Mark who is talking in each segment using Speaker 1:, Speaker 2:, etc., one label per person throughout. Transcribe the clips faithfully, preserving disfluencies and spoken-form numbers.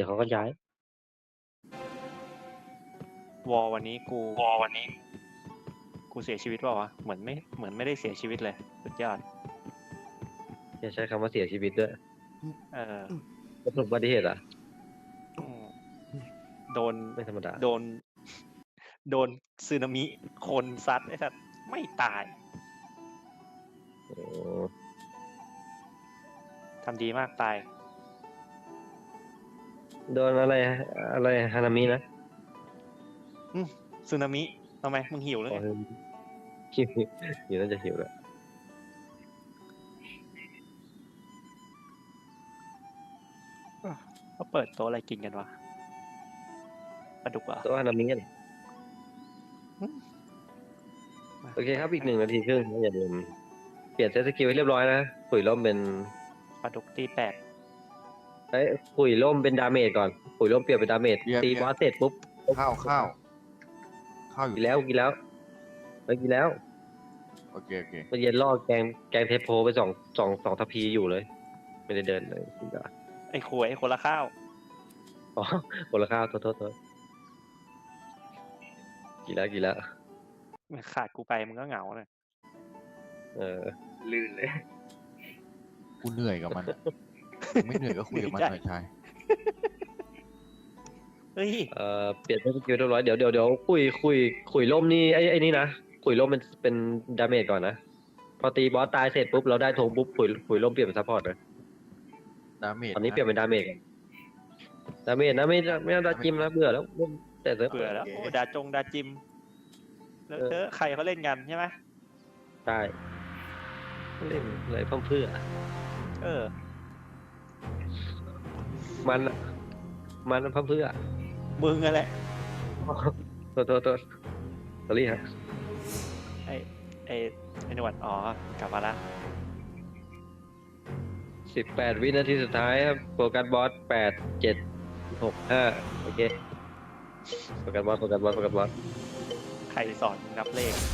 Speaker 1: ดี๋ยวเขาก็ย้ายว
Speaker 2: อลวันนี้กูวอลวันนี้กูเสียชีวิตเปล่าวะเหมือนไม่เหมือนไม่ได้เสียชีวิตเลยสุดยอด
Speaker 1: อย่าใช้คำว่าเสียชีวิตด้วย
Speaker 2: เออ
Speaker 1: ประสบอุบัติเหตุอ่ะ
Speaker 2: โดน
Speaker 1: ไม่ธรรมดา
Speaker 2: โดนโดนสึนามิคนซัดไอ้สัตว์ไม่ตาย
Speaker 1: โอ้
Speaker 2: ทำดีมากตาย
Speaker 1: โดนอะไรอะไรฮานามินะ
Speaker 2: สึนามิทำไมมึงหิวเลย
Speaker 1: หิวหิวน่าจะหิวแล้ว
Speaker 2: เขาเปิดโต๊ะอะไรกินกันวะปลาดุกอ่ะ
Speaker 1: โต๊ะฮานามิกันโอเคครับอีกหนึ่งนาทีครึ่งอย่าลืมเปลี่ยนเซตสกิลให้เรียบร้อยนะขุยล่มเป็น
Speaker 2: ปลาดุกตีแปด
Speaker 1: เอ้ยขุยล่มเป็นดาเมจก่อนขุยล่มเปลี่ยนเป็นดาเมจตีบอสเสร็จปุ๊บ
Speaker 3: ข้าวข้าวข้าวอยู่
Speaker 1: กินแล้วกินแล้วไปกินแล้ว
Speaker 3: โอเคโอเค
Speaker 1: เมื่อเย็นล่อแกงแกงเทปโพไปสองสองสองทัพพีอยู่เลยไม่ได้เดินเลยกินได้
Speaker 2: ไอ้ขวยไอ้คนละข้าว
Speaker 1: อ๋อคนละข้าวโทษโทษโทษกินแล้วกินแล้ว
Speaker 2: ขาดกูไปมึงก็เหงาเลย
Speaker 1: เออ
Speaker 4: ลื่นเลย
Speaker 3: กูเหนื่อยกับมันไม่เหนื่อยก็คุยกับมันหน่อยชาย
Speaker 2: เฮ้ย
Speaker 1: เอ่อเปลี่ยนเป็นสกิลเรียบร้อยเดี๋ยวเดี๋ยวเดี๋ยวคุยคุยคุยล่มนี่ไอ้ไอ้นี่นะคุยล่มเป็นเป็นดาเมจก่อนนะพอตีบอสตายเสร็จปุ๊บเราได้ธงปุ๊บคุยคุยล่มเปลี่ยนเป็นซัพพอร์ตเลย
Speaker 3: ดาเมจ
Speaker 1: ตอนนี้เปลี่ยนเป็นดาเมจดาเมจนะไม่ไม่เอาดาจิมนะเบื่อแล้วแต่เ
Speaker 2: บื่อแล้วโอ้ดาจงดาจิมแล้วเธอใครเขาเล่นกันใช่ไหม
Speaker 1: ใช่เล่นอะไรเพิ่มเพื่อ
Speaker 2: เออ
Speaker 1: มันมันเพิ่มเพื่อ
Speaker 2: มึงอะไร
Speaker 1: ตัวตัวตัวสอรี่ฮะ
Speaker 2: ไอไอไอหนวดอ๋อกลับมาละ
Speaker 1: สิบแปดวินาทีสุดท้ายครับโฟกัสบอสแปดเจ็ดหกห้าโอเคโฟกัสบอสโฟกัสบอสโฟกัสบอส
Speaker 2: ใครสอนนับเลข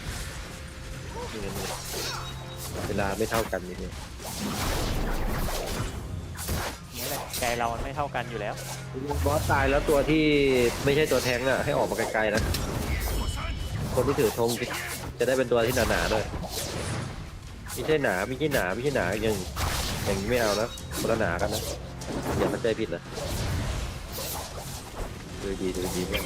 Speaker 1: เวลาไม่เท่ากันนี่เนี่ย
Speaker 2: นี่แหละใจเรามันไม่เท่ากันอยู่แล้ว
Speaker 1: บอสตายแล้วตัวที่ไม่ใช่ตัวแทงอ่ะให้ออกมาไกลๆนะคนที่ถือธงจะได้เป็นตัวที่หนาๆด้วยไม่ใช่หนาไม่ใช่หนาไม่ใช่หนาอย่างอย่างนี้ไม่เอานะคนละหนากันนะอย่าเข้าใจผิดนะดูดีดูดีมาก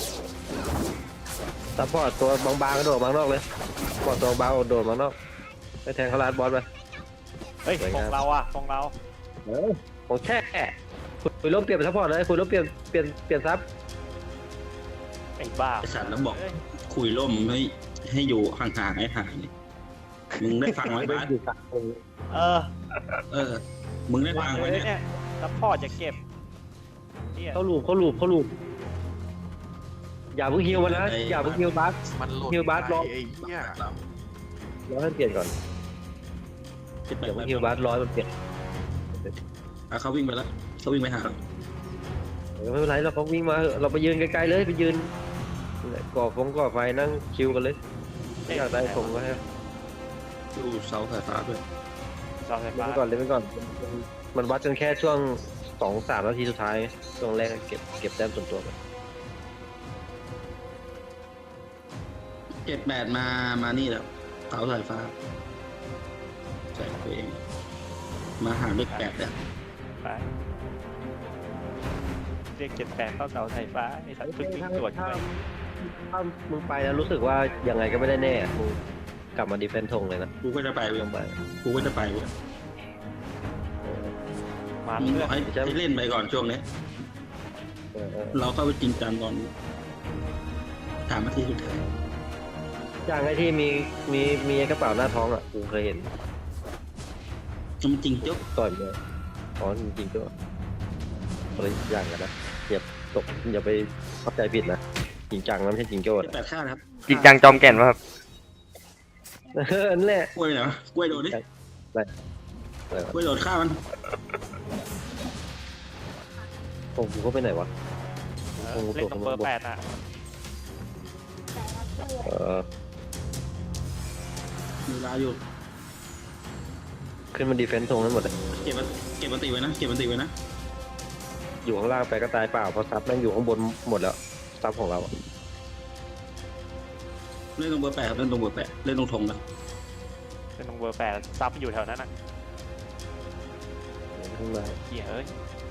Speaker 1: ซัพพอร์ตตัวบางๆกระโดดมางนอกเลยซัพพอร์ตตัวบางโดดมางนอกไปแทงเขาลาดบอสไป
Speaker 2: เฮ้ยของเราอ่ะของเรา
Speaker 1: เออของแค่คุยร่มเปลี่ยนเป็นซัพพอร์ตเลยคุยร่มเปลี่ยนเปลี่ยนเปลี่ยนซับ
Speaker 2: ไอ้บ้า
Speaker 4: ไอ้สัตว์แล้วบอกคุยร่มให้ให้อยู่ห่างๆให้ห่างนี่มึงได้ฟังไหมบ้าน
Speaker 2: เออ
Speaker 4: เออมึงได้ฟังไหมเนี่ย
Speaker 2: ซัพพอร์ตจะเก็บ
Speaker 1: เขาลูบเขาลูบเขาลูบอย่าเพิ่งฮิวมันนะอย่าเพิ่งฮิวบัสฮิวบัสรอ
Speaker 3: ไอ้เหี้ย
Speaker 1: รอให้เปลี่ยนก่อนอย่าเพิ่งฮิวบัสรอให้มันเปลี่ยน
Speaker 4: อ่ะเขาวิ่งไปแล้วเขาวิ่งไปหา
Speaker 1: ไม่เป็นไรเราเขาวิ่งมาเราไปยืนไกลๆเลยไปยืนก่อฟงก่อไฟนั่งคิวกันเลยไม่อยากได้ฟงก็ให้
Speaker 4: ดูเสาสายฟ้าด้วย
Speaker 2: เสาสายฟ้า
Speaker 1: ไปก่อนเลยไปก่อนมันวัดกันแค่ช่วงสองสามนาทีสุดท้ายช่วงแรกเก็บเก็บแต้มส่วนตัวไป
Speaker 4: เจ็ดแปดมามานี่แล้วเสาสายฟ้าใส่ตัวเองมาหาเลขแปดเนี่ย
Speaker 2: ไปเรียกเจ็ดแปดเข้าเสาสายฟ้าไอ้สัตว์พึ่งตรวจไป
Speaker 1: ถ้ามึงไปแล้วรู้สึกว่ายังไงก็ไม่ได้แน่มึงกลับมาดีเฟนส์ทงเลยนะ
Speaker 4: กูก็จะไปเว้ยกูก็จะไปเว้ย
Speaker 2: มา
Speaker 4: เพื่อให้ให้เล่นไปก่อนช่วงนี้เราเข้าไปจริงจังตอนถามมาที่สุดท้าย
Speaker 1: อย่างไอ้ที่มีมีมีกระเป๋าหน้าท้องอ่ะกูเคยเห็น
Speaker 4: จริงจุ๊บ
Speaker 1: ต่อยเลยอ๋อจริงๆก็อะไรอย่างกันนะอย่าตกอย่าไปเข้าใจผิดนะจริงจังนะไม่ใช่จริงโจ้
Speaker 4: แปดข้าครับ
Speaker 5: จริงจังจอมแก่นวะครับ
Speaker 1: เออนั่นแหละ
Speaker 4: กล้วยเหรอ กล้วยโดดดิกล้วยโดดข้ามัน
Speaker 1: โอ้กูเขาไปไหนวะ
Speaker 2: เล่นตรงเบอร์แปดอ่ะ
Speaker 1: เออ
Speaker 4: มีเวลาอยู่
Speaker 1: ขึ้นมาดีเฟนส์ทงนั้นหมดเลย
Speaker 4: เก็บมันเก็บมันตีไว้นะเก็บมันตีไว้นะ
Speaker 1: อยู่ข้างล่างไปก็ตายเปล่าเพราะซับแม่งอยู่ข้างบนหมดแล้วซับของเราอะ
Speaker 4: เล่นตรงเบอร์แปดครับเล่นตรงเบอร์แปดเล่นตรงธงนะ
Speaker 2: เป็นตรงเบอร์แปดซับอยู่แถวนั้นอ่ะ
Speaker 1: ข้างใน
Speaker 2: เหี้ยเอ้ย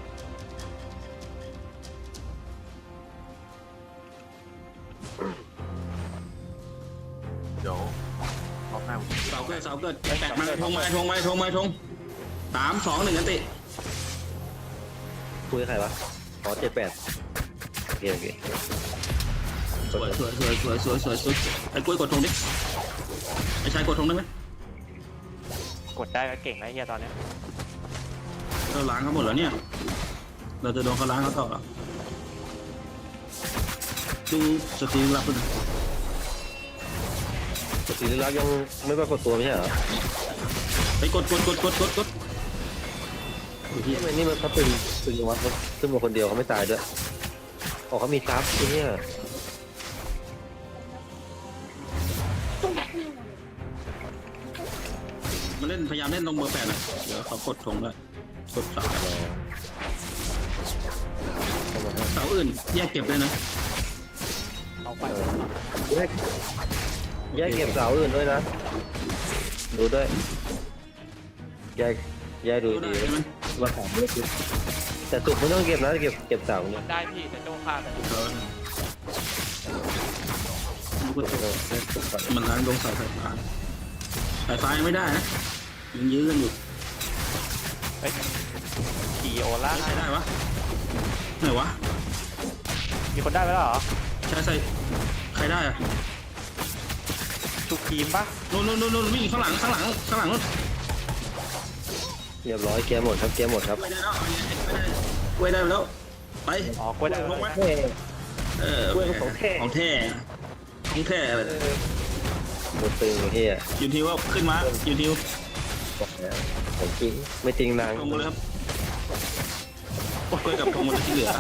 Speaker 3: เดี๋ยวรอบหน้าผม
Speaker 4: เสาเกิดเสาเกิดแปดมาธงมาธงมาธงมาธงสามสองหนึ่งกันติ
Speaker 1: คุยกับใครวะอ๋อเจ็ดแปดโอเคโอเค
Speaker 4: สวยสวยสวยสวยสวยสวยสวยไอ้กล้วยกดธงดิไอ้ชายกดธงได้ไหม
Speaker 2: กดได้ก็เก่งนะเฮียตอนเนี้ย
Speaker 4: เราล้างเขาหมดแล้วเนี่ยเราจะโดนเขาล้างเขาต่อเหรอดูสตรีมรับด้วยนะ
Speaker 1: ปกติลึกลับยังไม่ปรากฏตัวไม่ใช่เหรอ
Speaker 4: ไปกดกดกดกดกดกดโอ้ยเหี้ย
Speaker 1: ทำไมนี่มันเขาตึงตึงยังวะเขาขึ้นมาคนเดียวเขาไม่ตายด้วยอ๋อเขามีซับไอ้เนี่ย
Speaker 4: มาเล่นพยายามเล่นตรงเบอร์แปดนะเดี๋ยวเขากดธงได้กดเสาเสาอื่นแยกเก็บเลยนะ
Speaker 2: เอาไป
Speaker 1: แยกแยกเก็บเสาอื่นด้วยนะดูด้วยแยกแยกดู
Speaker 4: ดูได้
Speaker 1: ดี
Speaker 4: ใช่ไหม
Speaker 1: ว่าสามเลือกดิแต่สุดไม่ต้องเก็บนะเก็บเก็บเสาเนี่ย
Speaker 2: ได้พี่แต่โจ้ฆ่าไป
Speaker 4: เออดูกดมันล้างลงเสาไฟฟ้าสายไฟยังไม่ได้นะยังยื้อกันอยู่
Speaker 2: เฮ้ยขี่โอล่า
Speaker 4: ใช้ได้วะไหนวะ
Speaker 2: มีคนได้ไปแล้วเหรอ
Speaker 4: ใช้ใส่ใครได้อะ
Speaker 2: ทุกทีมปะ
Speaker 4: นู่นนู่นนู่นนู่นวิ่งข้างหลังข้างหลังข้างหลังนู่น
Speaker 1: เรียบร้อยเกียร์หมดครับเกียร์หมดครับ
Speaker 4: ไม่ได้แล้วไม่ได้แล้วไป
Speaker 2: อ๋อกดได้
Speaker 4: ลงไหม
Speaker 1: เฮ้ย
Speaker 4: เออ
Speaker 1: เว้ยของแท้
Speaker 4: ของแท้ของแท้อะไร
Speaker 1: หมดตึงเฮีย
Speaker 4: อยู่ที่ว่าขึ้นมาอยู่ที่
Speaker 1: บอกแล้วของจริงไม่จริงนาง
Speaker 4: ลงมาเลยครับกล้วยกับทงหมดที่เหลือ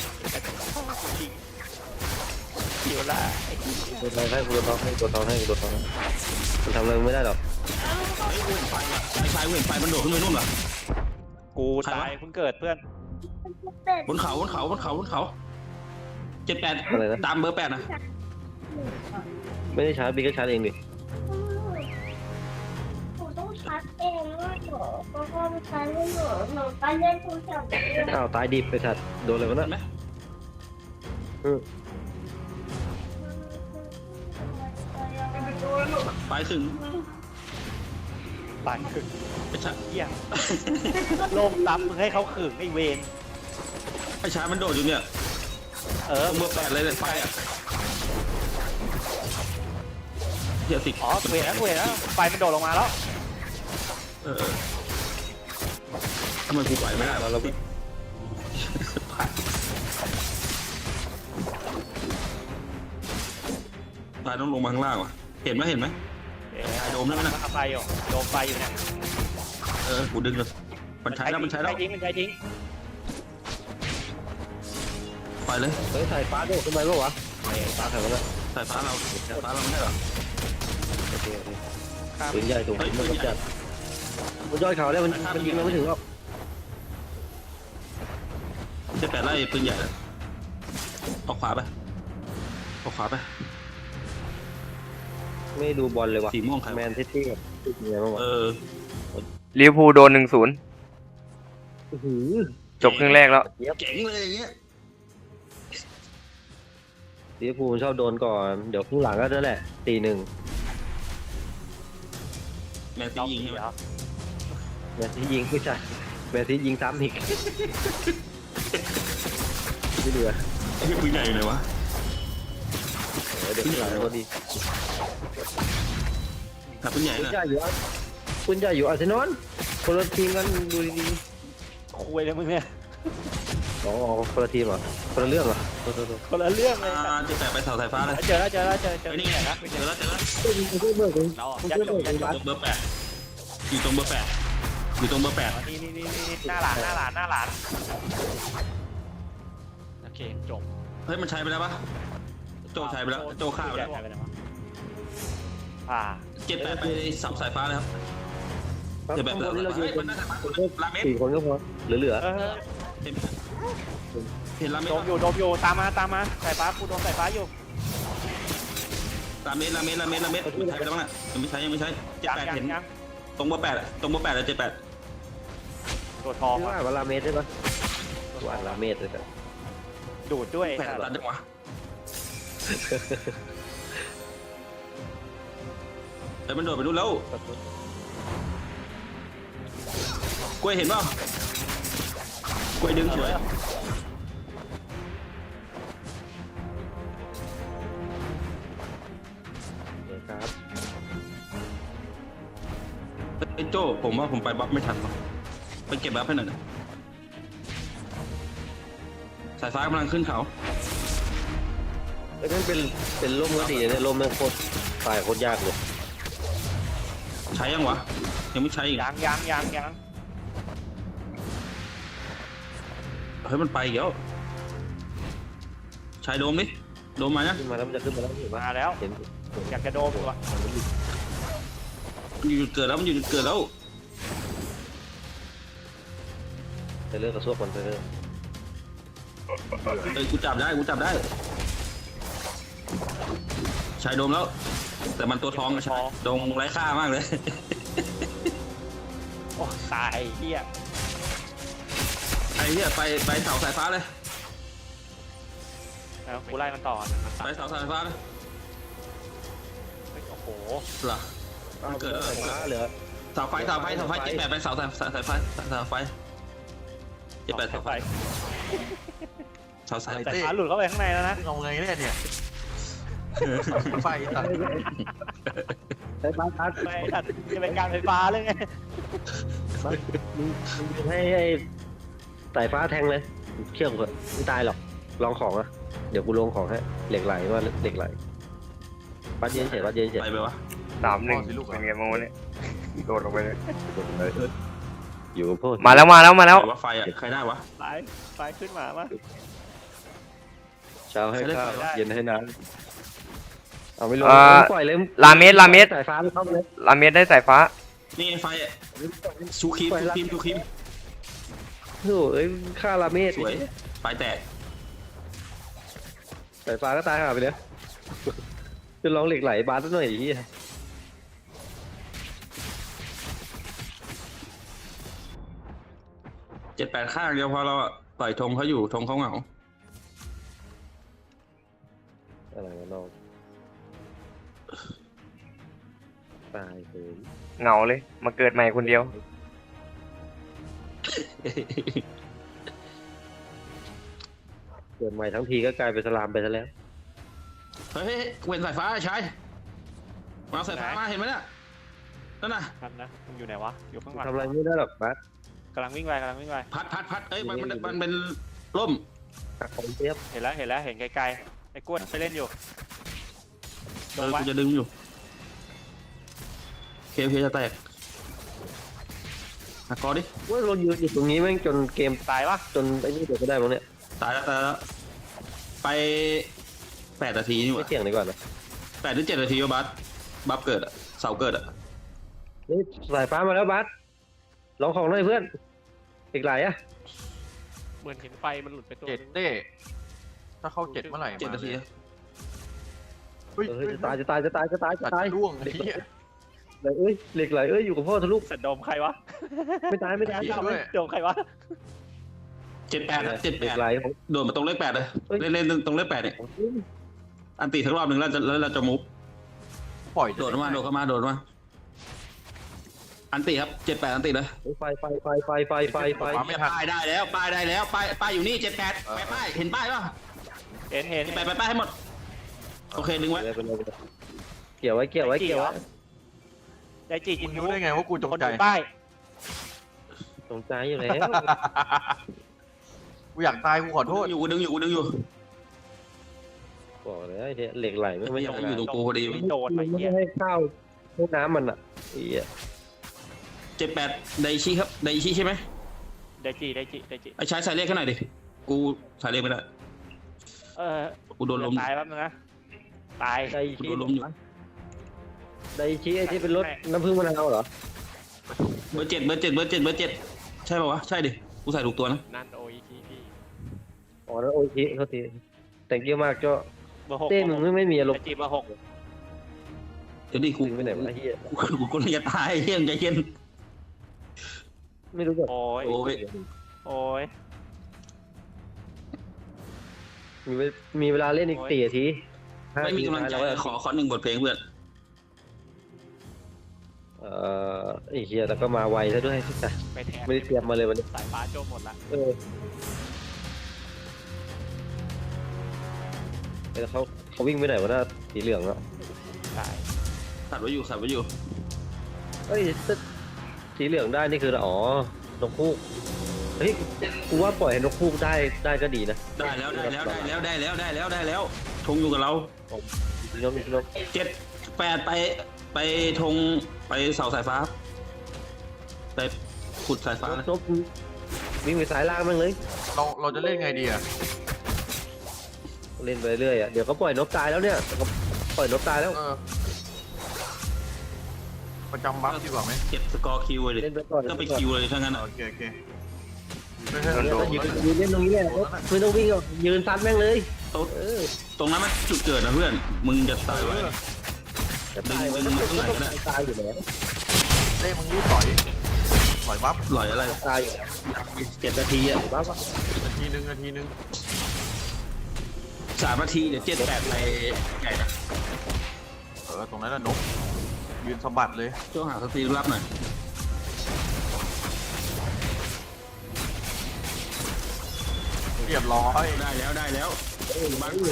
Speaker 2: ขี่โอล่า
Speaker 1: กูทองให้กูทองให้กูทองให้กูทองให้มันทำอะไรไม่ได้หรอก
Speaker 4: ไอ้ชายเห็นไฟมันโดดขึ้นไปนู่นเหรอ
Speaker 2: กูตายเพิ่งเกิดเพื่อน
Speaker 4: บนเขาบนเขาบนเขาบนเขาเจ็ดแปด
Speaker 1: อะไรนะ
Speaker 4: ตามเบอร์แปดนะ
Speaker 1: ไม่ได้ชาร์จบีก็ชาร์จเองดิ
Speaker 5: หนูต้องชัดเองว่าหนูเพราะว่ามันชัดให้หนูหนูก็เล่นโทรศัพท์เอง
Speaker 1: อ้าวตายดิบไปสัตว์โดนอะไรวะ
Speaker 4: เห็
Speaker 1: น่ะ
Speaker 4: นไหม
Speaker 1: อืม
Speaker 4: ไปถึง
Speaker 2: ตายขึง
Speaker 4: ไอ้ชาย
Speaker 2: เหี้ยโลมซ้ำมึงให้เขาขึงไอเวน
Speaker 4: ไอ้ชายมันโดดอยู่เนี่ย
Speaker 2: เออ
Speaker 4: ตรงเบอร์แปดเลยเลยไฟอ่ะเฮียสิ
Speaker 2: อ๋อกูเห็นแล้วกูเห็นแล้วไฟมันโดดลงมาแล้ว
Speaker 4: เออทำไมกูไหวไม่ได้วะเราพี่ตายต้องลงมาข้างล่างวะเห็นไหมเห็นไหม
Speaker 2: เอ๊ะ
Speaker 4: โดมแล้วนะ
Speaker 2: เอาไฟอยู่โดมไฟอยู่เนี่ย
Speaker 4: เออกูดึงเลยมันใช้แล้วมันใช้แล้ว
Speaker 2: ทิ้งมันใช้ทิ้ง
Speaker 4: ไปเลย
Speaker 1: เฮ้ยสายฟ้าโดดขึ้นไปปะวะไอ้ฟ้าใครวะน่ะ
Speaker 4: สายฟ้าเราสายฟ้าเราไม่ใช่เหรอ
Speaker 1: โอเคโอเค
Speaker 2: ข้าม
Speaker 1: ปืนใหญ่ถูกมันกำจัดมันยอดเขาแล้วมันมันยิงเราไม่ถึงหรอก
Speaker 4: เจ็ดแปดไล่ปืนใหญ่เลยออกขวาไปออกขวาไป
Speaker 1: ไม่ดูบอลเลยวะ
Speaker 4: สีม่วงใคร
Speaker 1: แม
Speaker 4: วะ
Speaker 1: นซิตี้กับเป็นไงบ้างวะ
Speaker 4: เออ
Speaker 6: ลิเวอร์พูลโดนหนึ่งศูนย์
Speaker 1: อื้อหือ
Speaker 6: จบครึ่งแรกแล้ว
Speaker 4: เจ๋งเลยอย่างเงี้ย
Speaker 1: ลิเวอร์พูลชอบโดนก่อน เดี๋ยวข้างหลังก็นั่นแหละตีหนึ่ง
Speaker 4: แมนซี
Speaker 2: เรา
Speaker 4: ยิ
Speaker 2: ยิ
Speaker 4: ง
Speaker 2: ง
Speaker 4: ใช่ไหม
Speaker 2: เหรอ
Speaker 1: แมนซียิงไม่ใช่แมนซียิงซ้ำอีกไม่เหลือ
Speaker 4: ไอ้ปืนใหญ่อยู่ไหนวะ
Speaker 1: เออเดี๋ยวข้างหลังก็ดี
Speaker 4: แต่ปืนใหญ่
Speaker 1: คุณ
Speaker 4: น่ะ
Speaker 1: ใหญ่อยู่อะคุณใหญ่อยู่อาร์เซนอลคนละทีมกันดูดี
Speaker 2: คุยเลยมึงเนี่ย
Speaker 1: ๆอ๋อคนละทีมเหรอคนละเรื่องเหรอโทษโทษโทษ
Speaker 2: คนละเรื่องเลย
Speaker 4: อ่าเจ็ดแปดไปเสาสายฟ้าเลย
Speaker 2: เจอแล้วเจอแล้วเจอเจอ
Speaker 4: ไอ้นี่ไง
Speaker 2: นะ
Speaker 4: เจอแล้วเจอแล้ว
Speaker 1: เฮ้ยมึงช่วยเบิกเลย
Speaker 2: เรา
Speaker 1: มึง
Speaker 2: ยัด
Speaker 1: ช่วย
Speaker 2: จ
Speaker 1: เบิ
Speaker 2: บ
Speaker 1: ก
Speaker 2: ยัด
Speaker 1: เลย
Speaker 2: จ
Speaker 4: ตรงเบอร์แปดอยู่ตรงเบอร์แปดอยู่ตรงเบอร์แปด
Speaker 2: นี่นี่นี่นี่หน้าหลานหน้าหลานหน้าหลานโอเคจบ
Speaker 4: เฮ้ยมันใช้ไปแล้วปะโจใช้ไปแล้วโจฆ่าไปแล้ว
Speaker 2: อ่า
Speaker 4: เจ็ดแปดไปเสาสายฟ้าเลยครับ
Speaker 1: ครับ
Speaker 4: เจ็ดแปด
Speaker 1: ข้างบนนี่เรา
Speaker 4: เฮ้
Speaker 1: ยื
Speaker 4: ย
Speaker 1: น
Speaker 4: มันน่าจะมาลาเมส
Speaker 1: สี่คนก็พอเหลือ
Speaker 2: เออ
Speaker 4: เห็นไหมเห็นลาเม
Speaker 2: โด
Speaker 4: ส
Speaker 2: มอยู่โดมอยู่ตามมาตามมาสายฟ้ากูโดนสายฟ้าอยู่
Speaker 4: ลาเมสลาเมสลาเมสลาเมสใช้ไปแล้วมั้งน่ะยังไม่ใช้ยังไม่ใช้เจ็ด
Speaker 2: ยัง
Speaker 4: แปด
Speaker 2: ยัง
Speaker 4: เห็น
Speaker 2: ยัง
Speaker 4: ตรงเบอร์แปดอะตรงเบอร์แปดเลยเจ็ดแปด
Speaker 2: ตัวทอง
Speaker 1: ชื่อ
Speaker 2: อะ
Speaker 1: ว่าว่าลาเมสใช่ปะว่าลาเมสเลยแต่
Speaker 2: ดูดด้วย
Speaker 4: แปดตันจังวะเดี๋ยวมันโดดไปดูแล้วกล้วยเห็นเปล่ากล้วยดึงสวย
Speaker 1: เดี๋ยวครับ
Speaker 4: ไอ้โจ้ผมว่าผมไปบัฟไม่ทันวะไปเก็บบัฟให้หน่อยนะสายฟ้ากำลังขึ้นเขา
Speaker 1: เอ้ยนั่นเป็นเป็นร่มก็ดีนะเนี่ยร่มแม่งโคตรตายโคตรยากเลย
Speaker 4: ใช้ยังวะยังไม่ใช้อีก
Speaker 2: ยังยังยังยัง
Speaker 4: เฮ้ยมันไปอีกแล้วใช้โดมดิโดมมานะ
Speaker 1: ขึ้นมาแล้วมันจะขึ้นมาแล้วเห็นปะ
Speaker 2: มาแล้ว
Speaker 1: เห็น
Speaker 2: อยากจะโดมอยู่อะ
Speaker 4: มันอยู่จุดเกิดแล้วมันอยู่จุดเกิดแล้ว
Speaker 1: ไปเลิกกระซวกมันไปเลิก
Speaker 4: เอ้ยกูจับได้กูจับได้ใช้โดมแล้ว แต่มันตัวทองอะใช่โดมไร้ค่ามากเลย
Speaker 2: โอ้ตายเฮีย
Speaker 4: ไอ้เนี่ยไปไปเสาสายฟ้าเลย
Speaker 2: แล้วกูไล่มันต่อ
Speaker 4: ไปเสาสายฟ้าเลย
Speaker 2: เฮ้ยโอ้โห
Speaker 4: เหรอมันเกิดแล้วเหรอ
Speaker 1: ฟ้าเหลือ
Speaker 4: เสาไฟเสาไฟเสาไฟเจ็ดแปดไปเสาสายสายไฟเสาไฟเจ็ดแปดเสาไฟเสาสาย
Speaker 2: สายฟ้าหลุดเข้าไปข้างในแล้วนะ
Speaker 3: เอาไงเนี่ยเนี่ยไฟตัด
Speaker 1: ไอ้บ้าส
Speaker 2: ไม่ตัดจะเป็นการไฟฟ้าเลยไง
Speaker 1: มึงมึงให้ไอ้สายฟ้าแทงเลยเชื่อมเถอะไม่ตายหรอกลองของอ่ะเดี๋ยวกูลงของให้เหล็กไหลว่าเหล็กไหลปัดเย็นเฉยปัดเย็นเฉย
Speaker 4: ไปไปวะ
Speaker 6: สามหนึ่งเป็นไงบ้างวะเนี่ยโดดลงไปเลย
Speaker 1: อยู่กับพวก
Speaker 6: มาแล้วมาแล้วมาแล้ว
Speaker 4: ใครว่าไฟอ่ะใครได้วะ
Speaker 2: สายสายขึ้นมามา
Speaker 1: เช้าให้ข้าว
Speaker 2: ได้
Speaker 1: เย็นให้น้ำเอาไม่ลงปล่อยเลย
Speaker 6: ลาเมสลาเมส
Speaker 1: สายฟ้าไม่เข้าเลย
Speaker 6: ลาเมสได้สายฟ้า
Speaker 4: นี่ไงไฟอ่ะชูครีมชูครีมชูครีม
Speaker 1: โอ้เอ้ยฆ่าลาเมส
Speaker 4: สวยไฟแตก
Speaker 1: สายฟ้าก็ตายห่าไปเลยจะลองเหล็กไหลบาสหน่อยดิ
Speaker 4: เจ็ดแปดข้างเดียวพอเราอะต่อยธงเขาอยู่ธงเขาเหงา
Speaker 1: อะไรวะน้องตายเลย
Speaker 6: เหงาเลย มาเกิดใหม่คนเดียว
Speaker 1: เกิดใหม่ทั้งทีก็กลายเป็นสลามไปซะแล้ว
Speaker 4: เฮ้ยเว้นสายฟ้าใช่มาเอาสายฟ้ามาเห็นไหมเนี่ยนั่นน่ะ
Speaker 2: ทันนะมึงอยู่ไหนวะอยู่ข้างหลัง
Speaker 1: ทำอะไรไม่ได้หรอกบาส
Speaker 2: กำลังวิ่งไปกำลังวิ่งไป
Speaker 4: พัดพัดพัดเอ้ยมันมันมันเป็นร่ม
Speaker 1: หักของเทียบ
Speaker 2: เห็นแล้วเห็นแล้วเห็นไกลๆไอ้กล้วยไปเล่นอยู่
Speaker 4: เอ
Speaker 2: โดน
Speaker 4: อ
Speaker 2: ไว้
Speaker 4: กูจะดึงอยู่เคเคจะแตกหักคอดิ
Speaker 1: ว่าเรายืนอยู่ตรงนี้แม่งจนเกม
Speaker 2: ตายปะ
Speaker 1: จนไอ้นี่เดี๋ยวก็ได้มั้งเนี่ย
Speaker 4: ตายแล้วตายแล้วไปแปดนาทีนี่ห
Speaker 1: ไม่
Speaker 4: ว่า
Speaker 1: เสี่ยงดีกว่านะ
Speaker 4: แปดหรือเจ็ดนาทีวะบัสบัฟเกิดอะเสาเกิดอะ
Speaker 1: นี่สายฟ้ามาแล้วบาสลองของหน่อยเพื่อนอีกหลายอะ
Speaker 7: เหมือนเห็นไฟมันหลุดไปตัว
Speaker 3: เจ็ด
Speaker 7: นึง
Speaker 3: เต้ถ้าเข้าเจ็ดเมื่อไหร่
Speaker 4: เจ็ดนาที
Speaker 3: เฮ้ย
Speaker 1: เฮ้ยจะตายจะตายจะตายจะตายจะ
Speaker 3: ตัด
Speaker 1: ตาย
Speaker 3: ร่วงไอ้เหี้ย
Speaker 1: เหล็กไหลเอ้ยเหล็กไหลเอ้ยอยู่กับพ่อทะลุ
Speaker 2: สัตว์โดมใครวะ
Speaker 1: ไม่ตายไม่ตาย
Speaker 3: เหี้ยด้วย
Speaker 2: โดมใครวะ
Speaker 4: เจ็ดแปดนะเจ็ด
Speaker 1: เห
Speaker 4: แป
Speaker 1: ล็ก
Speaker 4: ด
Speaker 1: ไหลของ
Speaker 4: โดดมาตรงเลขแปดเลย
Speaker 1: เฮ้ย
Speaker 4: เล่นเล่นตรงเลขแปดเนี่ยอันตีทั้งรอบหนึ่งแล้วจะแล้วเราจะมุฟ
Speaker 3: ปล่อย
Speaker 4: โดดมาโดดเข้ามาโดดมาอันตีครับเจ็ดแปดอันตีเลย
Speaker 1: ไฟไฟไฟไฟไฟไฟไฟ
Speaker 3: ไม่ทัน
Speaker 4: ป้ายได้แล้วป้ายได้แล้วป้ายป้ายอยู่นี่เจ็ดแปดไปป้ายเห็นป้ายป่ะ
Speaker 2: เห็นเห็น
Speaker 4: เจ็ดแปดไปป้ายให้หมดโอเคดึงไว้
Speaker 1: เกี่ยวไว้เกี่ยวไว้เกี่ยวไว้
Speaker 2: ใจจีจิ
Speaker 3: มึ
Speaker 2: น
Speaker 3: ง
Speaker 2: ยู
Speaker 3: รู้ได้ไงว่ากูจง
Speaker 2: คน
Speaker 3: ใจ
Speaker 2: ดูป้าย
Speaker 1: สงใจอยู่แล้ว
Speaker 3: กูอยากตายกูขอโทษ
Speaker 4: อยู่กูดึงอยู่กูดึงอยู่
Speaker 1: บอกเลยไอ้เนี่ยเหล็กไหลไม่
Speaker 4: ไม่
Speaker 1: ไม่
Speaker 4: อยาก
Speaker 1: ทำ
Speaker 4: อง
Speaker 1: า
Speaker 4: ยู่
Speaker 1: น
Speaker 4: ตรงกูพอดี
Speaker 2: ไม่โดนไอ้
Speaker 1: ไม่
Speaker 2: เหี้ย
Speaker 1: ให้ข้าวให้น้ำมันอ่ะไอ้เหี้ย
Speaker 4: เจ็ดแปดไดชิครับไดชิใช่ไหม
Speaker 2: ไดจีไดจีไดจี
Speaker 4: ไอ้ใช้สายเลขให้หน่อยดิกูสายเลขไม่ได้
Speaker 2: เออ
Speaker 4: กูโดนลม
Speaker 2: ตายแป๊บนึงนะตาย
Speaker 1: ได
Speaker 4: กู
Speaker 1: ชี
Speaker 4: โดนลมอยู่
Speaker 1: ไดชีไอ้ที่เป็นรถน้ำผึ้งมะนาวเหรอ
Speaker 4: เบอร์เจ็ดเบอร์เจ็ดเบอร์เจ็ดเบอร์เจ็ดใช่ป่าวะใช่ดิกูใส่ถูกตัวนะ
Speaker 7: นั่นโออีทีพี
Speaker 1: อ๋อแล้วโอ้ยทีโทษทีแต่งเยอะมากก็
Speaker 2: เบอร์หก
Speaker 1: เต้มึงไม่ไม่มีอารม
Speaker 2: ไอ
Speaker 1: ณ์
Speaker 2: จีเบอร์หก
Speaker 4: เดี๋ยวดิกู
Speaker 1: ดึงไปไหนวะไอ้เหี้ย
Speaker 4: กูกูกูจะตายเฮียใจเย็น
Speaker 1: ไม่รู้จัก
Speaker 2: โอ้ย
Speaker 4: โอ้ย
Speaker 2: โอ้ย
Speaker 1: มีเวมีเวลาเล่นอีกสี่นาทีห้า
Speaker 4: ไม่
Speaker 1: นา
Speaker 4: มี
Speaker 1: ที
Speaker 4: กำลังใจ
Speaker 1: แล้ว
Speaker 4: ขอขอหนึ่งบทเพลงเพื่อน
Speaker 1: เอ่อไอ้เหี้ยแต่ก็มาไวซะด้วย
Speaker 2: ไปแทน
Speaker 1: ไม่ได้เตรียมมาเลยวันนี้
Speaker 2: สายฟ้าโจมหมดละ
Speaker 1: เออแล้วเขาเขาวิ่งไปไหนวะหน้าสีเหลืองอะ
Speaker 2: ตาย
Speaker 4: ขัดไว้อยู่ขัดไว้อยู่
Speaker 1: เอ้ยถ้าสีเหลืองได้นี่คืออ๋อนกฮูกเฮ้ยกูว่าปล่อยให้นกฮูกได้ได้ก็ดีนะ
Speaker 4: ได้แล้วได้แล้วได้แล้วได้แล้วได้แล้วได้แล้วธงอยู่กับเรา
Speaker 1: นกนก
Speaker 4: เจ็ดแปดไปไปธงไปเสาสายฟ้า ไปขุดสายฟ้าเลย
Speaker 1: นกวิ่งไปสายล่างมั่งเลย
Speaker 3: เราเราจะเล่นไงดีอะ
Speaker 1: เล่นไปเรื่อยอ่ะเดี๋ยวก็ปล่อยนกตายแล้วเนี่ยก็ปล่อยนกตายแล้ว
Speaker 3: เออประจำบัฟดีกว่าไหม
Speaker 4: เก็บสกอร์คิวเลยดิ
Speaker 1: เล่นไปก่อน
Speaker 4: ก็ไปคิวเลยถ้างั้นอะ
Speaker 3: โอเคโอเคไม่ใช่
Speaker 1: เดี๋ยว
Speaker 3: โด
Speaker 1: ก็
Speaker 3: น
Speaker 1: ยืนยืนเล่นตรงนี้แหละไม่ต้องวิ่งหรอกยืนซัดแม่งเลย
Speaker 4: ตรง
Speaker 1: เออ
Speaker 4: ตรงนั้นมันจุดเกิดนะเพื่อน มึงจะตายไว้
Speaker 1: จะตายมันก็ต้องตายอยู่แล้ว
Speaker 3: เล่มึงรีบต่อยต่อยบัฟ
Speaker 4: หล่อยอะไร
Speaker 1: ตายอยู่แล้ว
Speaker 4: เจ็ดนาทีอ่ะ
Speaker 1: บ้าปะ
Speaker 3: นาทีหนึ่งนาทีหนึ่ง
Speaker 4: สามนาทีเดี๋ยวเจ็ดแปดไปไก่นะ
Speaker 3: เออตรงนั้นน่ะนกยืนสะบัดเลย
Speaker 4: ช่วงหาสตรีรับหน่อย
Speaker 3: เรียบร้อย
Speaker 4: ได้แล้วได้แล้ว
Speaker 1: โอ้โห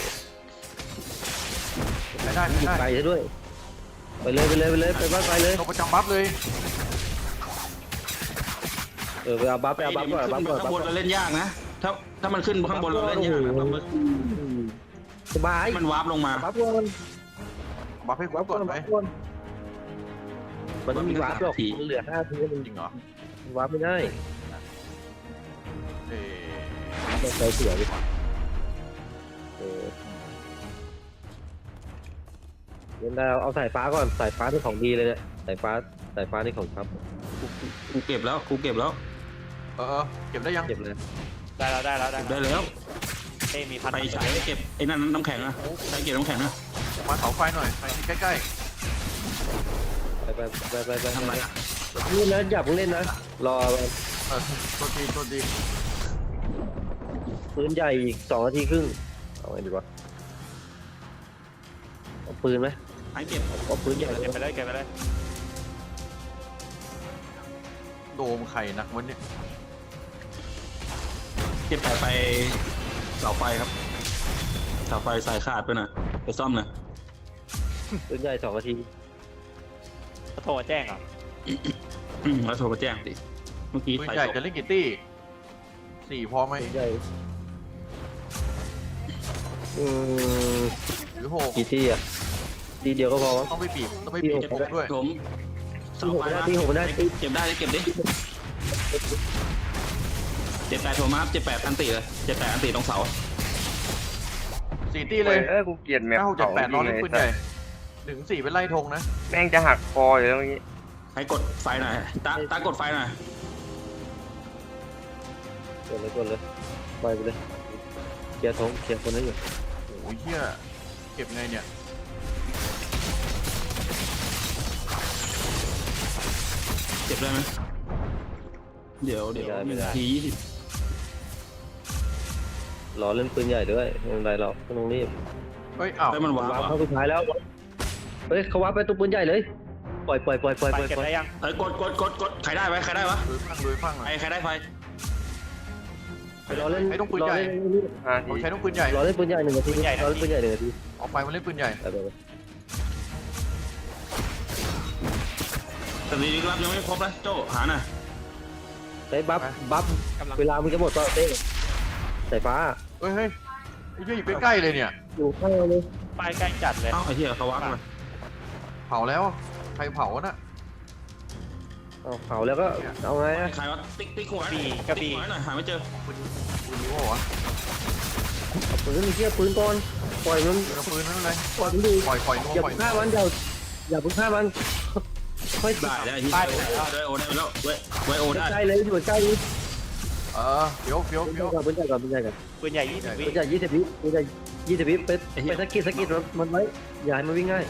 Speaker 3: ไม่ได้ไม่
Speaker 1: ยิง
Speaker 3: ได้
Speaker 1: ไกลซะด้วยไปเลยไปเลยไปเลยไปบ้านไปเลย
Speaker 3: นกประจำบัฟเลย
Speaker 1: เออไปเอาบัฟไปเอาบัฟก่อน
Speaker 4: ขึ้
Speaker 1: บัฟ
Speaker 4: น
Speaker 1: ก่อน
Speaker 4: ข้างบน
Speaker 1: บัฟก่อน
Speaker 4: เราเล่นยากนะ ถ้าถ้ามันขึ้นข้างบนเราเล่นยากนะต้องมา
Speaker 1: สบาย
Speaker 4: มันวาร์ปลงมา
Speaker 1: บัฟก่อน
Speaker 3: บัฟให้คร
Speaker 1: บั
Speaker 3: บ
Speaker 1: ฟ
Speaker 3: ก่
Speaker 1: ก่
Speaker 3: อ
Speaker 1: อน น
Speaker 3: ไหม
Speaker 1: บัฟก่อนมันไม่มีวาร์ปหรอกมันเหลือห้าทีมัน
Speaker 3: จริงเหรอ
Speaker 1: วาร์ปไม่ได้
Speaker 3: เออ
Speaker 1: ต้องใช้เสือดิเออเล่นได้เอาสายฟ้าก่อนสายฟ้าที่ของดีเลยเนี่ยสายฟ้าสายฟ้านี่ของครับ
Speaker 4: กูเก็บแล้วกูเก็บแล้ว
Speaker 3: เออเออเก็บได้ยัง
Speaker 1: เก็บเลย
Speaker 2: ได้แล้วได้แล้วได้
Speaker 4: เก็บได้แล้ว
Speaker 2: เต้มีพัน
Speaker 4: ไปใช้เก็บไอ้นั่นน้ำแข็งนะใช้เก็บน้ำแข็งนะ
Speaker 3: มาเสาไฟหน่อยไปใกล้
Speaker 1: ไปไปไปไปไป
Speaker 4: ทำไรอะ
Speaker 1: นี่นะอย่าเพิ่งเล่นนะรอ
Speaker 3: ๆเออตัวทีตัวที
Speaker 1: ปืนใหญ่อีกสองนาทีครึ่งเอาไงดีวะเอาปืนไหม
Speaker 4: ให้เก็บ
Speaker 1: เอาปืนใหญ่
Speaker 2: เก็บไปเลยเก็บไปเลย
Speaker 3: โดมไข่หนักวันนี้
Speaker 4: เก็บไปไปเสาไฟครับเสาไฟสายขาดไปหน่อยไปซ่อมหน่อย
Speaker 1: ปืนใหญ่สองนาที
Speaker 2: เขาโทรมาแจ้งเหรอ
Speaker 4: อืมแล้วโทรมาแจ้งดิเมื่อกี้
Speaker 3: ปืน
Speaker 4: ไฟ
Speaker 3: ใหญ่
Speaker 4: ตก
Speaker 3: จะเล่นกี่ตี้สี่พอไหม
Speaker 1: ปืนใหญ่อืม
Speaker 3: หรือหก
Speaker 1: กี่ที่อ่ะทีเดียวก็พอมั้ง
Speaker 3: ต้องไปบีบต้องไปบีบ
Speaker 1: ที่
Speaker 3: ค
Speaker 1: ห
Speaker 3: ร
Speaker 1: ก
Speaker 3: บด้วย
Speaker 4: ผมเสาไฟนะ
Speaker 1: ที่หกไม่ได้
Speaker 4: เก็บได้เก็บดิเจ็ดแปดโทรมาเจ็ดแปดอันติเลยเจ็ดแปดอันติตรงเสา
Speaker 3: สี่ตี้เลย
Speaker 6: เออกูเกลียดแมป
Speaker 3: เก้าเจ็ด
Speaker 6: เขา
Speaker 3: แปด
Speaker 6: จ
Speaker 3: น
Speaker 6: ริ
Speaker 3: อน
Speaker 6: ง
Speaker 3: เล่น
Speaker 6: เลย
Speaker 3: ปืนใหญ่หนึ่งสี่เป็นไล่ธงนะ
Speaker 6: แม่งจะหักคออยู่แล้วเมื่อกี้
Speaker 4: ให้กดไฟหน่อยตาตากดไฟหน่อย
Speaker 1: กดเลยกดเลยไปไปเลยเคลียร์ทงเคลียร์คนนั้นอยู่
Speaker 3: โอ้ยเฮียเก็บไงเนี่ย
Speaker 4: เก็บได้ไหมเดี๋ยวเดี๋ยวหนึ่งนาทียี่สิบ
Speaker 1: รอเล่นปืนใหญ่ด้วยไม่เป็นไรหรอกไม่ต้องรีบ
Speaker 3: เฮ้ยอ้าว
Speaker 4: ให้มันวาร์ป
Speaker 1: วาร์ป
Speaker 4: อ่ะ
Speaker 1: เข้าสุดท้ายแล้วเฮ้ยเขาวาร์ปไปตัวปืนใหญ่เลยปล่อยปล่อยปล่อยปล่อย
Speaker 2: ไป
Speaker 1: ปล่อย
Speaker 2: เก็บ
Speaker 1: ปล่อย
Speaker 2: ได้ยัง
Speaker 4: เอ้ยกดกดกดกดใครได้ไหมใครได้วะ
Speaker 3: ลุยฟังลุยฟังหน่
Speaker 4: ใคร
Speaker 3: อย
Speaker 4: ใครได้ไฟ
Speaker 1: รอเล่น
Speaker 3: ไอ้ต้องปืนใหญ่
Speaker 6: ห้า
Speaker 3: เรา
Speaker 6: ที
Speaker 3: ใช้ต้องปืนใหญ่
Speaker 1: รอเล่นปืนใหญ่หนึ่งนาทีรอเล่นปืนใหญ่หนึ่งนาที
Speaker 3: เอาไฟมาเล่นปืนใหญ่
Speaker 1: ไปไปไป
Speaker 4: แต่ดีรับยังไม่ครบเลยโจหาหน่อย
Speaker 1: ใช้บัฟบัฟ
Speaker 7: กำลัง
Speaker 1: เวลามึงจะหมดก็เต้สายฟ้า
Speaker 3: เฮ้ยเฮ้ยไอ้เหี้ยอยู่ใกล้ๆเลยเนี่ย
Speaker 1: อยู่ข้างเลย
Speaker 2: ไปใกล้จัดเลย
Speaker 4: เอ้าไอ้เหี้ยเขาวาร์ปมา
Speaker 3: เผาแล้วใครเผาน่ะ
Speaker 1: เอาเผาแล้วก็เอาไงอะ
Speaker 4: ใครวะติ๊กติ๊กหัวหน่อยติ๊กหัวหน่อยหาไม่เจอ
Speaker 3: ปืนปืนนี้วะ
Speaker 1: เอาปืนมีเชี่ยปืนก่อนปล่อยมัน
Speaker 3: ปืนปืนนั่นเลย
Speaker 1: ปล่อยมันดู
Speaker 3: ปล่อยปล่อยนัว
Speaker 1: อย่า
Speaker 3: ปล่อย
Speaker 1: เพิ่งฆ่ามันอย่าอย่าเพิ่งฆ่ามันค่อย
Speaker 4: ได้ได้ที่ได้โอได้แล้วไวโอได้แล้วไวไวโอได้
Speaker 1: ใกล้เลยอยู่ใกล้เลย
Speaker 3: เออเฟี้ยวเฟี้ยว
Speaker 1: ปืน
Speaker 3: เฟี้ยว
Speaker 1: ก่อนปืนใหญ่ก่อนปืนใหญ่ก่อน
Speaker 2: ปืนใหญ่ยี่สิบวิ
Speaker 1: ปืนใหญ่ยี่สิบวิปืนใหญ่ยี่สิบวิไปไปสกิดสกิดมันมันไว้อย่าให้มันวิ่งง่าย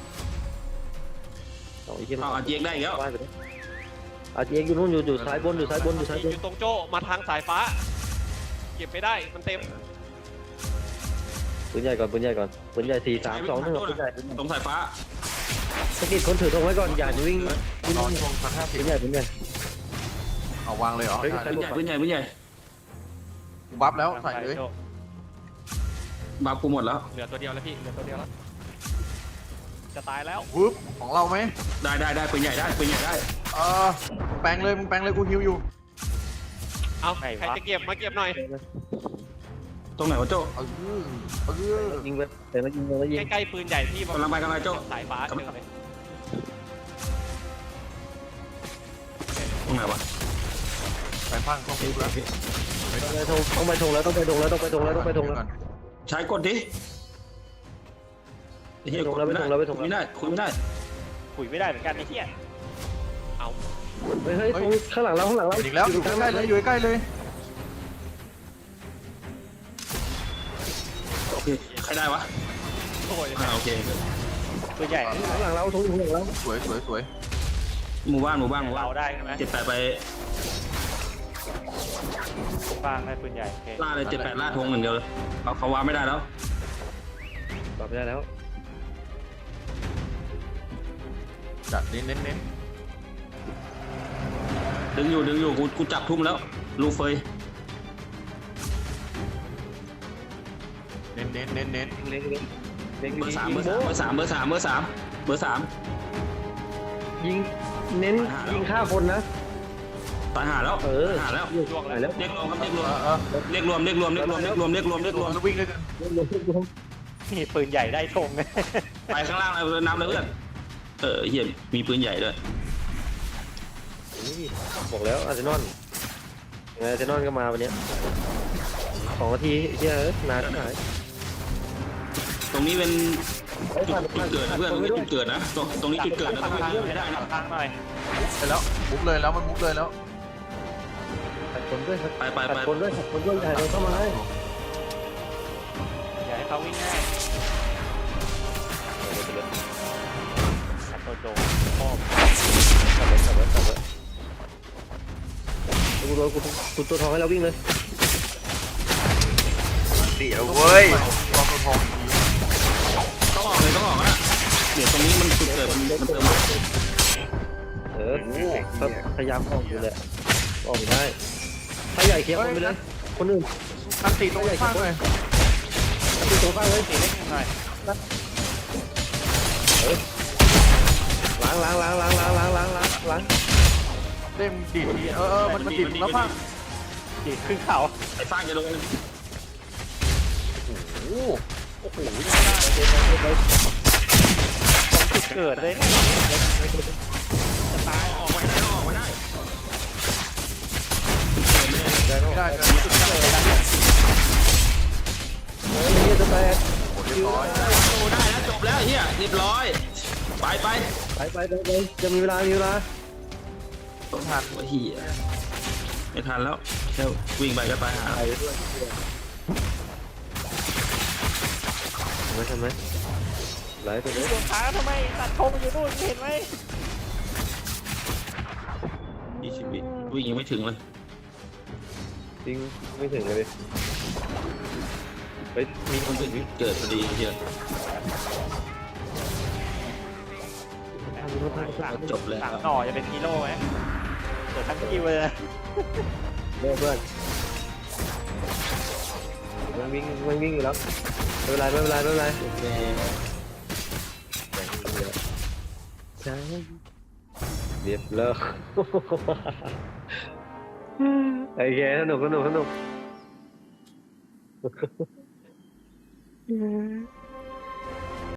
Speaker 1: เอาไอ้เหี้ย
Speaker 4: เอาอาเจียกได้อีกแล้ว
Speaker 1: ว่ายไปเลยอาเจียงอยู่นู่นอยู่อยู่ซ้ายบนอยู่ซ้ายบนอยู่ซ้ายบ
Speaker 7: อน ยู่ตรงโจ้มาทางสายฟ้า เก็บไม่ได้มันเต็ม
Speaker 1: ปืนใหญ่ก่อนปืนใหญ่ก่อนปืนใหญ่สี่สามสองหนึ่งปืนใหญ่ปืนใหญ่
Speaker 4: ตรงสายฟ้า
Speaker 1: สกิดคนถือธงไว้ก่อนอย่าวิ่งวิ่ง
Speaker 3: รอช่วงสักห้าสิ
Speaker 1: ปื
Speaker 3: บ
Speaker 1: นใหญ่ปืนใหญ่
Speaker 3: เอาวางเลยเหรอ
Speaker 1: เฮ้ย
Speaker 3: ได้
Speaker 4: ปืนใหญ่ปืนใหญ่ปืนใหญ่
Speaker 3: กูบัฟแล้วใส่เลย
Speaker 2: โจ้
Speaker 4: บาปกูหมดแล้ว
Speaker 7: เหลือตัวเดียวแล้วพี่เหลือตัวเดียวแล้วจะตายแล้ว
Speaker 3: วึบของเราไหม
Speaker 4: ได้ได้ได้ปืนใหญ่ได้ปืนใหญ่ได้
Speaker 3: เออมึงแปลงเลยมึงแปลงเลยกูฮิวอยู่
Speaker 7: เอาใครจะเก็บมาเก็บหน่อย
Speaker 4: ตรงไหนวะโจ้
Speaker 3: เออเออ
Speaker 1: ยิงไปแต่ละยิงแต่ละยิง
Speaker 7: ใกล้ๆปืนใหญ่ที่
Speaker 4: กำลังไปกำลังไปโจ้
Speaker 7: สายฟ้าเจอเลย
Speaker 4: ตรงไหนวะ
Speaker 3: แปลงพังต้องฮิวแล้ว
Speaker 1: ต้องไปธงแล้วต้องไปธงแล้วต้องไปธงแล้วต้องไปธงแล้ว
Speaker 3: ก่อน
Speaker 4: ใช้กดดิไอ้เหี้ยกดไม่ได้คุยไม่ได้คุยไม่ได้
Speaker 2: คุยไม่ได้เหมือนกันไอ้เหี้ย
Speaker 1: เฮ้ยเฮ้ยธงข้างหลังเราข้างหลังเรา
Speaker 3: อีกแล้วอยู่ใกล้ๆเลยอยู่ใกล้ๆเลย
Speaker 4: โอเคใครได้วะ
Speaker 7: โอ้ย
Speaker 4: อ่าโอเค
Speaker 2: ปืนใหญ่
Speaker 1: ข้างหลังเราธงข้างหลังเรา
Speaker 3: สวยสวยสวย
Speaker 4: หมู่บ้านหมู่บ้านหมู่บ้าน
Speaker 2: เราได้ใช่ไหม
Speaker 4: เจ็ดแปดไป
Speaker 2: ฟางได้ปืนใหญ่โอเค
Speaker 4: ล่าเลยเจ็ดแปดล่าธงอย่างเดียวเลยเขาเขาวางไม่ได้แล้ว
Speaker 1: ตอบไม่ได้แล้ว
Speaker 3: จัดเน้นเน้นเน้น
Speaker 4: ดึงอยู่ดึงอยู่กูกูจับทุ่มแล้วลูเฟย
Speaker 3: เน้นเน้นเน้นเน้น
Speaker 1: เล็งเล็งเล็ง
Speaker 4: เบอร์สามเบอร์สามเบอร์สามเบอร์สามเบอร์สามเบอร์สาม
Speaker 1: ยิงเน้นยิงฆ่าคนนะ
Speaker 4: ตายหาแล้ว
Speaker 1: เออ
Speaker 4: ตายหาแล้ว
Speaker 7: ล่วง
Speaker 1: ไป
Speaker 7: แล้ว
Speaker 1: แล้ว
Speaker 4: เรียกรวมครับเรียกรว
Speaker 3: เอ
Speaker 4: ม
Speaker 3: อเออ
Speaker 4: เรียกรวมเรียกรวมเรียกรวมเรียกรวมเรียกรวมเรียกรวมเรียกรวม
Speaker 3: แล้ววิ่งเลยกัน
Speaker 2: นี่ปืนใหญ่ได้ธง
Speaker 4: ไปข้างล่างเลยน้ำเลยเพื่อนเออเฮียมีปืนใหญ่ด้วย
Speaker 1: บอกแล้วอาร์เซนอลไงอาร์เซนอลก็มาวันนี้สองนาทีเฮียนานหาย
Speaker 4: ตรงนี้เป็นจุดจุดเกิดนะเพื่อนตรงนี้จุดเกิดนะตรงตรงนี้จุดเกิดนะต้องไปให้ได้นะ
Speaker 2: ทางหน่อย
Speaker 3: ไปแล้วมุกเลยแล้วมันมุกเลยแล้ว
Speaker 1: ขัดคนด้วยขัด
Speaker 4: ไปไปไป
Speaker 1: คนด้วยขัดคนด้วยถ่ายเราเข้ามาให้
Speaker 2: อย่าให้เขาวิ่งง่ายขัดตัวโจพ่อ
Speaker 1: ขัดไว้ขัดไว้ขัดไว้กูโดนกูกูตัวทองให้เราวิ่งเลย
Speaker 6: เดี๋ยวเว้ย
Speaker 3: รอตัวทองอีกที
Speaker 4: ต้องออกเลยต้องออกนะเดี๋ยวตรงนี้มันจุดเกิดมันมันเติม
Speaker 1: เออพยายามออกอยู่เลยออกได้ถ้าใหญ่เคลียร์คนไปเลยคนอื่น
Speaker 3: อันตีตรงข้างเลย
Speaker 1: ตีตัวบ้างเลย
Speaker 2: ตีเล็กหน่อย
Speaker 1: ล้างล้างล้างล้างล้างล้างล้างล้างล้าง
Speaker 3: เด้มดีดทีเออเออมันมันดีดแล้วพัง
Speaker 2: ดีดขึ้นเขา
Speaker 4: ไอ้ฟางจะโดน
Speaker 3: โอ้
Speaker 2: โอ้โหจุดเกิดเลย
Speaker 4: จะตายออกไปได้ออกไปได้
Speaker 3: ไม่ได้เลย
Speaker 1: เฮ้ยเฮียจะแตก
Speaker 3: โอ้เรียบร้อย
Speaker 4: โอ้ได้แล้วจบแล้วเฮียเรียบร้อยไปไป
Speaker 1: ไปไปไปไปจะมีเวลามีเวลา
Speaker 4: ต้องทันวะเฮียไม่ทันแล้วแค่วิ่งไปก็ตายหา
Speaker 1: ไปด้วยทำไมทำไมไหลไปเลย
Speaker 2: ดวงขาทำไมตัดธงอยู่นู่นเห็นไหม
Speaker 4: ยี่สิบวิวิ่งยังไม่ถึงเลย
Speaker 1: จริงไม่ถึงเลยไปมีคนถึง
Speaker 4: เกิดพอดีเฮีย จบแล้ว
Speaker 2: สามหน่อจะเป็นฮีโร่ไหมเกิดทั้งคิวเลย
Speaker 1: เพื่อนเพื่อนมันวิ่งมันวิ่งอยู่แล้วไม่เป็นไรไม่เป็นไรไม่เป็นไรใช่เรียบเลิกโอเคสนุกสนุกสนุก